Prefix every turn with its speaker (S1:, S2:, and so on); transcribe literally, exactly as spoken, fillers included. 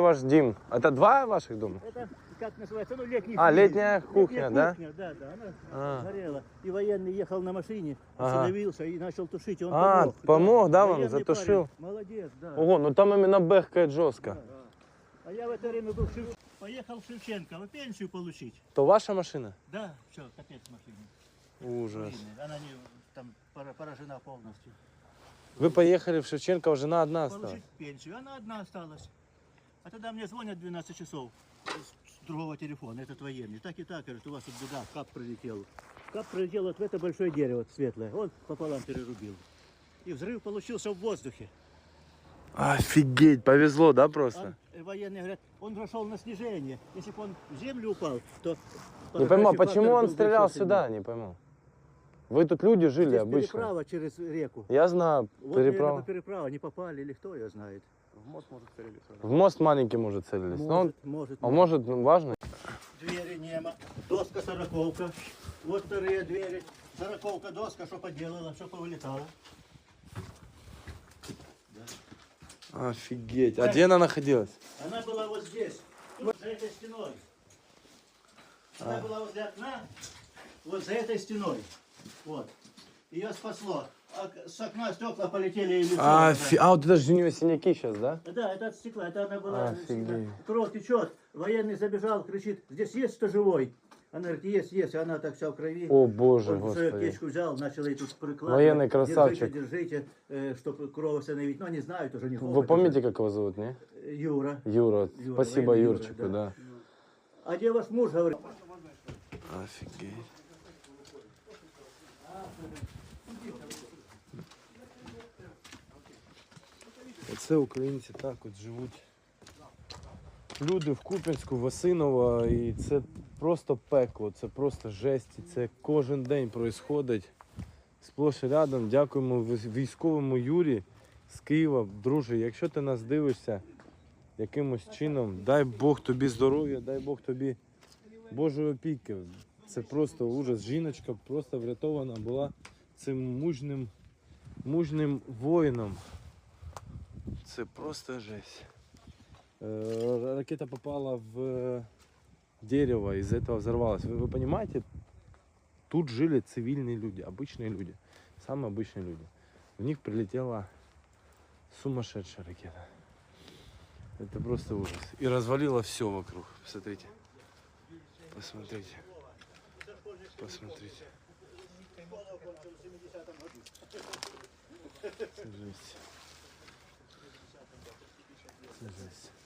S1: ваш дом? Это два ваших дома?
S2: Это, как называется, ну, летний.
S1: А, летняя кухня,
S2: летняя
S1: да?
S2: Кухня, да, да, она
S1: А.
S2: горела. И военный ехал на машине,
S1: Ага.
S2: остановился и начал тушить. И он
S1: А,
S2: помог.
S1: помог, да, вам,
S2: Военный
S1: затушил?
S2: парень. Молодец, да.
S1: Ого, ну там именно бэхкает жестко.
S2: Да, да. А я в это время был в Шев... поехал в Шевченко, вы пенсию получить.
S1: То ваша машина?
S2: Да, все, капец машине.
S1: Ужас.
S2: Она не там пора- поражена полностью.
S1: Вы поехали в Шевченко, а жена одна осталась?
S2: Получить пенсию, она одна осталась. А тогда мне звонят в двенадцать часов с с другого телефона, этот военный. Так и так, говорит, у вас тут беда, кап пролетел. Кап пролетел вот в это большое дерево светлое, он пополам перерубил. И взрыв получился в воздухе.
S1: Офигеть, повезло, да, просто?
S2: Он, военные говорят, он прошел на снижение. Если бы он в землю упал, то...
S1: Не пойму, а
S2: подорвавший
S1: почему
S2: фактор
S1: он
S2: был бы
S1: стрелял
S2: еще
S1: сюда,
S2: сильнее.
S1: не пойму. Вы тут люди жили
S2: Здесь
S1: обычно.
S2: переправа через реку.
S1: Я знаю,
S2: Вот,
S1: переправа.
S2: наверное, переправа, не попали или кто ее знает.
S3: В мост может целились.
S1: В мост маленький, может, целились. Но он,
S2: Может, может.
S1: а может, ну, важно?
S2: Двери нема, доска сороковка. Вот вторые двери. Сороковка доска, что поделала, что повылетала.
S1: Офигеть. А где она находилась?
S2: Она была вот здесь, вот за этой стеной. Она была возле окна, вот за этой стеной. Вот. Ее спасло. А с окна стекла полетели и лицо.
S1: А,
S2: да.
S1: фи- а вот это же у нее синяки сейчас, да?
S2: Да, это от стекла, это она была.
S1: Офигеть.
S2: Кровь течет. Военный забежал, кричит, здесь есть кто живой? Она говорит, есть, есть. И она так вся в крови.
S1: О, боже,
S2: Он свою
S1: господи.
S2: аптечку взял, начал ей тут прикладывать.
S1: Военный красавчик.
S2: Держите, держите, чтобы кровь остановить. Но они знают уже, не
S1: Вы помните, как его зовут, не?
S2: Юра.
S1: Юра.
S2: Юра,
S1: Спасибо
S2: военный Юра,
S1: Юрчику,
S2: да.
S1: да.
S2: А где ваш муж, говорит?
S1: Офигеть. Оце українці так от живуть. Люди в Куп'янську, Васинова, і це просто пекло, це просто жесть, і це кожен день відбувається. Сплош і рядом. Дякуємо військовому Юрі з Києва. Друже, якщо ти нас дивишся якимось чином, дай Бог тобі здоров'я, дай Бог тобі Божої опіки. Це просто ужас. Жіночка просто врятована була цим мужним, мужним воїном. Це просто жесть. Э, Ракета попала в дерево, из-за этого взорвалась. Вы, вы понимаете, тут жили цивильные люди, обычные люди, самые обычные люди. В них прилетела сумасшедшая ракета. Это просто ужас. И развалило все вокруг. Посмотрите. Посмотрите. Посмотрите. Это жесть. Это жесть.